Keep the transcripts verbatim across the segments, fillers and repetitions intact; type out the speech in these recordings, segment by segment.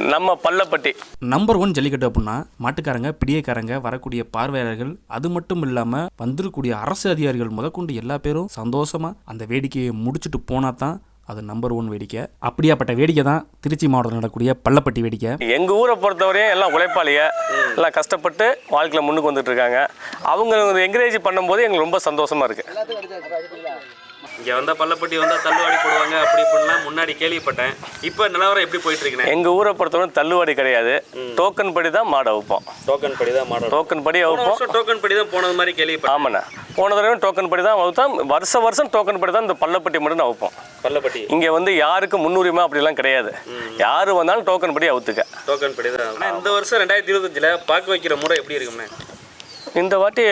நம்ம Pallapatti number one jallikattu அப்படின்னா மாட்டுக்காரங்க பிடியக்காரங்க வரக்கூடிய பார்வையாளர்கள் அது மட்டும் இல்லாமல் வந்திருக்கக்கூடிய அரசு அதிகாரிகள் முதற்கொண்டு எல்லா பேரும் சந்தோஷமாக அந்த வேடிக்கையை முடிச்சுட்டு போனால் தான் அது நம்பர் ஒன் வேடிக்கை. அப்படியாப்பட்ட வேடிக்கை தான் திருச்சி மாவட்டத்தில் நடக்கக்கூடிய பள்ளப்பட்டி வேடிக்கை. எங்கள் ஊரை பொறுத்தவரையும் எல்லாம் உழைப்பாளிய எல்லாம் கஷ்டப்பட்டு வாழ்க்கையில் முன்னுக்கு வந்துட்டு இருக்காங்க. அவங்க என்கரேஜ் பண்ணும்போது எங்களுக்கு ரொம்ப சந்தோஷமாக இருக்குது. இங்கே வந்தால் பள்ளப்பட்டி வந்தால் தள்ளுவாடி போடுவாங்க அப்படி இப்படிலாம் முன்னாடி கேள்விப்பட்டேன். இப்போ நிலவரம் எப்படி போயிட்டு இருக்குண்ணே? எங்கள் ஊரை பொறுத்தவரை தள்ளுவாடி கிடையாது, டோக்கன் படி தான் மாடை வைப்போம். டோக்கன் படி தான் மாடை டோக்கன் படி வைப்போம். டோக்கன் படி தான் போனது மாதிரி கேள்விப்பட்டேன். ஆமாண்ணா, போன தடவை டோக்கன் படி தான் வைப்போம். வருஷம் வருஷம் டோக்கன் படி தான் இந்த பள்ளப்பட்டி மட்டும் நான் வைப்போம். பள்ளப்பட்டி இங்கே வந்து யாருக்கு முன்னுரிமை அப்படிலாம் கிடையாது. யார் வந்தாலும் டோக்கன் படி அவுத்துக்க. டோக்கன் படி தான். ஆனால் இந்த வருஷம் ரெண்டாயிரத்தி இருபத்தஞ்சில் பார்க்க வைக்கிற முறை எப்படி இருக்குண்ணே? இந்த வாட்டி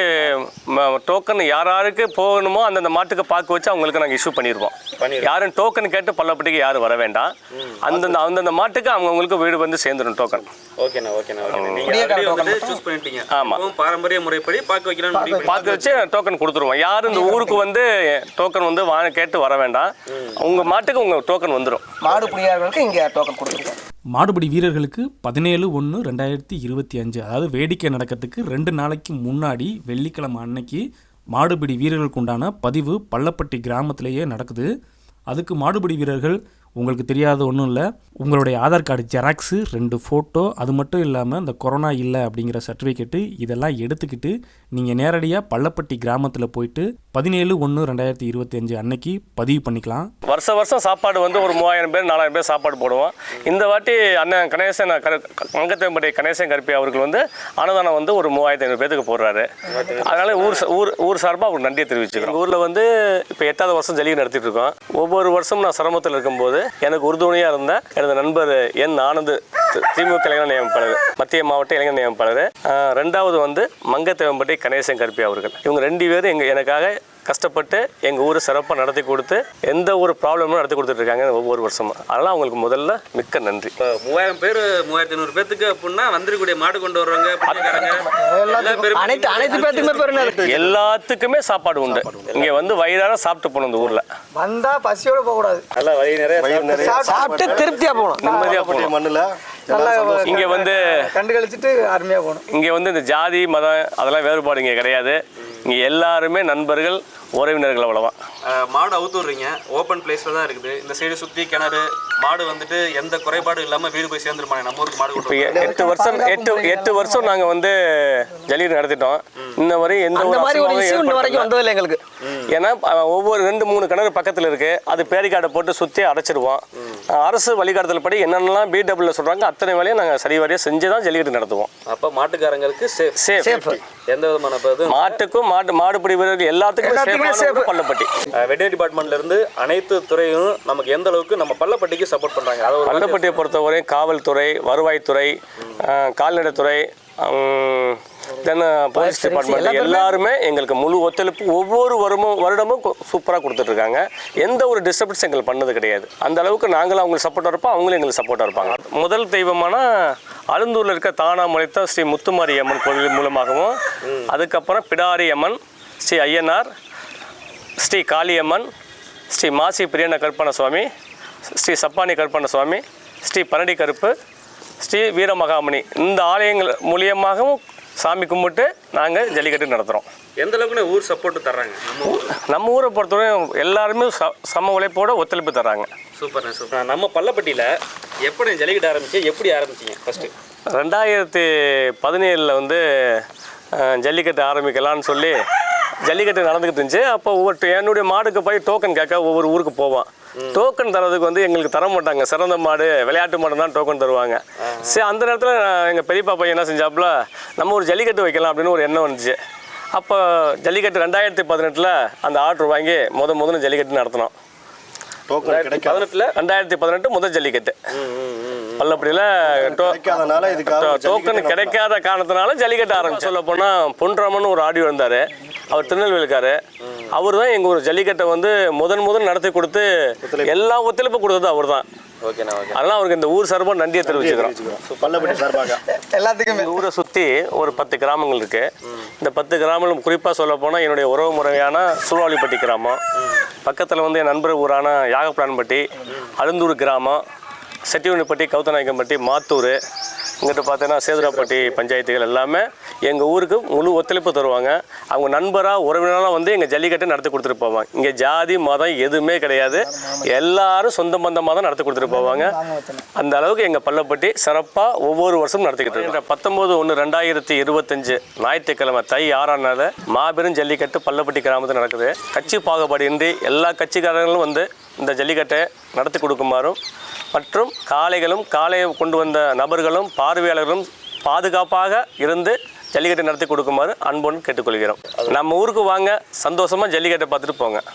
டோக்கன் யார் யாருக்கு போகணுமோ அந்தந்த மாட்டுக்கு பார்க்க வச்சு அவங்களுக்கு நாங்கள் இஷ்யூ பண்ணிடுவோம். யாரும் டோக்கன் கேட்டு பள்ளப்பட்டிக்கு யாரும் வர வேண்டாம். அந்தந்த அந்தந்த மாட்டுக்கு அவங்கவுங்களுக்கு வீடு வந்து சேர்ந்துடும் டோக்கன். ஓகேண்ணா ஓகேண்ணா ஓகே. நீங்கள் சூஸ் பண்ணிட்டீங்க. ஆமாம், பாரம்பரிய முறைப்படி பார்க்க வைக்கலாம்னு பார்க்க வச்சு டோக்கன் கொடுத்துருவோம். யாரும் இந்த ஊருக்கு வந்து டோக்கன் வந்து வா கேட்டு வர வேண்டாம். உங்கள் மாட்டுக்கு உங்கள் டோக்கன் வந்துடும். மாடு பிடிக்காதவங்களுக்கு இங்கே டோக்கன் கொடுத்துருக்கோம். மாடுபிடி வீரர்களுக்கு பதினேழு ஒன்று ரெண்டாயிரத்தி இருபத்தி அஞ்சு அதாவது வேடிக்கை நடக்கிறதுக்கு ரெண்டு நாளைக்கு முன்னாடி வெள்ளிக்கிழமை அன்னைக்கு மாடுபிடி வீரர்களுக்கு உண்டான பதிவு பள்ளப்பட்டி கிராமத்திலேயே நடக்குது. அதுக்கு மாடுபிடி வீரர்கள் உங்களுக்கு தெரியாத ஒன்றும் இல்லை, உங்களுடைய ஆதார் கார்டு ஜெராக்ஸு, ரெண்டு ஃபோட்டோ, அது மட்டும் இல்லாமல் இந்த கொரோனா இல்லை அப்படிங்கிற சர்டிஃபிகேட்டு இதெல்லாம் எடுத்துக்கிட்டு நீங்கள் நேரடியாக பள்ளப்பட்டி கிராமத்தில் போயிட்டு பதினேழு ஒன்று ரெண்டாயிரத்தி இருபத்தி அஞ்சு அன்னைக்கு பதிவு பண்ணிக்கலாம். வருஷம் வருஷம் சாப்பாடு வந்து ஒரு மூவாயிரம் பேர் நாலாயிரம் பேர் சாப்பாடு போடுவோம். இந்த வாட்டி அண்ணன் கணேசன் மங்கத்தம்பட்டி கணேசன் கருப்பி அவர்கள் வந்து அன்னதானம் வந்து ஒரு மூவாயிரத்தி ஐநூறு பேருக்கு போடுறாரு. அதனால ஊர் ஊர் ஊர் சார்பாக அவர் நன்றியை தெரிவிச்சுக்கிறோம். எங்கள் ஊரில் வந்து இப்போ எட்டாவது வருஷம் ஜல்லிக்கட்டு நடத்திட்டு இருக்கோம். ஒவ்வொரு வருஷமும் நான் சிரமத்தில் இருக்கும்போது எனக்கு உறுதுணையாக இருந்த எனது நண்பர் என் ஆனந்த், திமுக இளைஞர் நியமிப்பாளர், மத்திய மாவட்ட இளைஞர் நியமிப்பாளர். ரெண்டாவது வந்து மங்கத்தேவம்பட்டி கணேசன் கருப்பி அவர்கள். இவங்க ரெண்டு பேரும் எங்கள் எனக்காக கஷ்டப்பட்டு எங்கள் ஊரை சிறப்பாக நடத்தி கொடுத்து எந்த ஒரு ப்ராப்ளமும் நடத்தி கொடுத்துட்ருக்காங்க ஒவ்வொரு வருஷமும். அதனால் அவங்களுக்கு முதல்ல மிக்க நன்றி. இப்போ மூவாயிரம் பேர் மூவாயிரத்தி ஐநூறு பேத்துக்கு அப்படின்னா வந்துருக்கூடிய மாடு கொண்டு வர்றவங்க அனைத்து அனைத்து பேத்துக்குமே பெருநாள் எல்லாத்துக்குமே சாப்பாடு உண்டு. இங்கே வந்து வயிறார சாப்பிட்டு போகணும். இந்த ஊரில் வந்தா பசியோட போகக்கூடாது, நல்லா வயிறு நிறைய சாப்பிட்டு திருப்தியாக போகணும், நிம்மதியாக போகணும். மண்ணில் இங்கே வந்து கண்டு கழிச்சிட்டு அருமையாக போகணும். இங்கே வந்து இந்த ஜாதி மதம் அதெல்லாம் வேறுபாடு இங்கே கிடையாது. இங்கே எல்லாருமே நண்பர்கள், உறவினர்கள். அவ்வளோதான். மாடு அவுத்துடுறீங்க, ஓப்பன் பிளேஸில் தான் இருக்குது. இந்த சைடு சுற்றி கிணறு, மாடு வந்துட்டு எந்த குறைபாடும் இல்லாமல் வீடு போய் சேர்ந்துருப்பாங்க. நம்ம ஊருக்கு மாடு இப்போ எட்டு வருஷம் எட்டு எட்டு வருஷம் நாங்கள் வந்து ஜல்லிக்கட்டு நடத்திட்டோம். இன்ன வரையும் எந்த ஒரு வரைக்கும் வந்ததில்லை எங்களுக்கு. ஏன்னா ஒவ்வொரு ரெண்டு மூணு கிணறு பக்கத்தில் இருக்குது. அது பேரிக்காடை போட்டு சுற்றி அடைச்சிடுவோம். அரசு வழிகாட்டுதல் படி என்னென்னலாம் பி டபிள்யூ சொல்கிறாங்க அத்தனை வேலையும் நாங்கள் சரிவாரியாக செஞ்சு தான் ஜல்லிக்கட்டு நடத்துவோம். அப்போ மாட்டுக்காரங்களுக்கு சேஃப் சேஃப் எந்த விதமான மாட்டுக்கும் மாட்டு மாடுபிடி வீரர்கள் எல்லாத்துக்குமே பள்ளப்பட்டி வெட்டரி டிபார்ட்மெண்ட்ல இருந்து அனைத்து துறையும் நமக்கு எந்த அளவுக்கு நம்ம பள்ளப்பட்டிக்கு சப்போர்ட் பண்றாங்க. பள்ளப்பட்டியை பொறுத்தவரை காவல்துறை, வருவாய்த்துறை, கால்நடைத்துறை, தென் போலீஸ் டிபார்ட்மெண்ட் எல்லாருமே எங்களுக்கு முழு ஒத்துழைப்பு ஒவ்வொரு வருமும் வருடமும் சூப்பராக கொடுத்துட்ருக்காங்க. எந்த ஒரு டிஸ்டர்பன்ஸ் எங்களுக்கு பண்ணது கிடையாது. அந்த அளவுக்கு நாங்களும் அவங்களுக்கு சப்போர்ட்டாக இருப்போம், அவங்களும் எங்களுக்கு சப்போர்ட்டாக இருப்பாங்க. முதல் தெய்வமான அழுந்தூரில் இருக்க தானாமலைத்த ஸ்ரீ முத்துமாரி அம்மன் கோவில் மூலமாகவும், அதுக்கப்புறம் பிடாரி அம்மன், ஸ்ரீ ஐயனார், ஸ்ரீ காளியம்மன், ஸ்ரீ மாசி பிரியண்ண கருப்பண்ண சுவாமி, ஸ்ரீ சப்பானி கருப்பண்ண சுவாமி, ஸ்ரீ பரடி கருப்பு, ஸ்ரீ வீரமகாமணி, இந்த ஆலயங்கள் மூலியமாகவும் சாமி கும்பிட்டு நாங்கள் ஜல்லிக்கட்டு நடத்துகிறோம். எந்த அளவுக்கு ஊர் சப்போர்ட்டு தர்றாங்க? நம்ம ஊர் நம்ம ஊரை பொறுத்தவரை எல்லாருமே ச சம உழைப்போட ஒத்துழைப்பு தர்றாங்க. சூப்பர்ண்ணே சூப்பர். நம்ம பள்ளப்பட்டியில் எப்படி ஜல்லிக்கட்டு ஆரம்பிச்சு, எப்படி ஆரம்பிச்சிங்க ஃபஸ்ட்டு? ரெண்டாயிரத்தி பதினேழில் வந்து ஜல்லிக்கட்டு ஆரம்பிக்கலான்னு சொல்லி ஜல்லிக்கட்டு நடந்துக்கிட்டு இருந்துச்சு. அப்போ ஒவ்வொரு என்னுடைய மாடுக்கு போய் டோக்கன் கேட்க ஒவ்வொரு ஊருக்கு போவான். டோக்கன் தரதுக்கு வந்து எங்களுக்கு தர மாட்டாங்க. சிறந்த மாடு, விளையாட்டு மாடு தான் டோக்கன் தருவாங்க. சரி, அந்த நேரத்தில் எங்கள் பெரியப்பா பையன் என்ன செஞ்சாப்புல, நம்ம ஒரு ஜல்லிக்கட்டு வைக்கலாம் அப்படின்னு ஒரு எண்ணம் வந்துச்சு. அப்போ ஜல்லிக்கட்டு ரெண்டாயிரத்தி பதினெட்டில் அந்த ஆர்டர் வாங்கி முத முதல்ல ஜல்லிக்கட்டு நடத்தினோம். பதினெட்டில் ரெண்டாயிரத்தி பதினெட்டு முதல் ஜல்லிக்கட்டு பள்ளப்பட்டியில் டோக்கன் கிடைக்காத காரணத்தினால ஜல்லிக்கட்டு ஆரம்பிச்சு. சொல்ல போனால் பொன்ராமன் ஒரு ஆடியோ இருந்தார், அவர் திருநெல்வேலிக்காரு. அவர் தான் எங்கள் ஒரு ஜல்லிக்கட்டை வந்து முதன் முதல் நடத்தி கொடுத்து எல்லா ஒத்துழைப்பு கொடுத்தது அவர் தான். ஓகேண்ணா ஓகே. அதெல்லாம் அவருக்கு இந்த ஊர் சார்பாக நன்றியை தெரிவிச்சுக்கிறோம். பள்ளப்பட்டி சார்பாக எல்லாத்துக்குமே. இந்த ஊரை சுற்றி ஒரு பத்து கிராமங்கள் இருக்குது. இந்த பத்து கிராமங்களும் குறிப்பாக சொல்ல போனால் என்னுடைய உறவு முறையான சூழாவளிப்பட்டி கிராமம், பக்கத்தில் வந்து என் நண்பர் ஊரான யாகப்பிளான்பட்டி, அழுந்தூர் கிராமம், செட்டியூனிப்பட்டி, கவுத்தநாயக்கம்பட்டி, மாத்தூர், இங்கிட்ட பார்த்தீங்கன்னா சேதுராப்பட்டி பஞ்சாயத்துகள் எல்லாமே எங்கள் ஊருக்கு முழு ஒத்துழைப்பு தருவாங்க. அவங்க நண்பராக உறவினராக வந்து எங்கள் ஜல்லிக்கட்டை நடத்தி கொடுத்துட்டு போவாங்க. இங்கே ஜாதி மதம் எதுவுமே கிடையாது, எல்லாரும் சொந்த பந்தமாக தான் நடத்தி கொடுத்துட்டு போவாங்க. அந்த அளவுக்கு எங்கள் பள்ளப்பட்டி சிறப்பாக ஒவ்வொரு வருஷமும் நடத்திக்கிட்டு இருக்கோம். பத்தொம்போது ஒன்று ரெண்டாயிரத்தி இருபத்தஞ்சு ஞாயிற்றுக்கிழமை தை ஆறாம் நாள் மாபெரும் ஜல்லிக்கட்டு பள்ளப்பட்டி கிராமத்தில் நடக்குது. கட்சி பாகுபாடு இன்றி எல்லா கட்சிக்காரங்களும் வந்து இந்த ஜல்லிக்கட்டை நடத்தி கொடுக்குமாறும் மற்றும் காளைகளும் காளையை கொண்டு வந்த நபர்களும் பார்வையாளர்களும் பாதுகாப்பாக இருந்து ஜல்லிக்கட்டை நடத்தி கொடுக்குமாறு அன்புடன் கேட்டுக்கொள்கிறோம். நம்ம ஊருக்கு வாங்க, சந்தோஷமாக ஜல்லிக்கட்டை பார்த்துட்டு போங்க.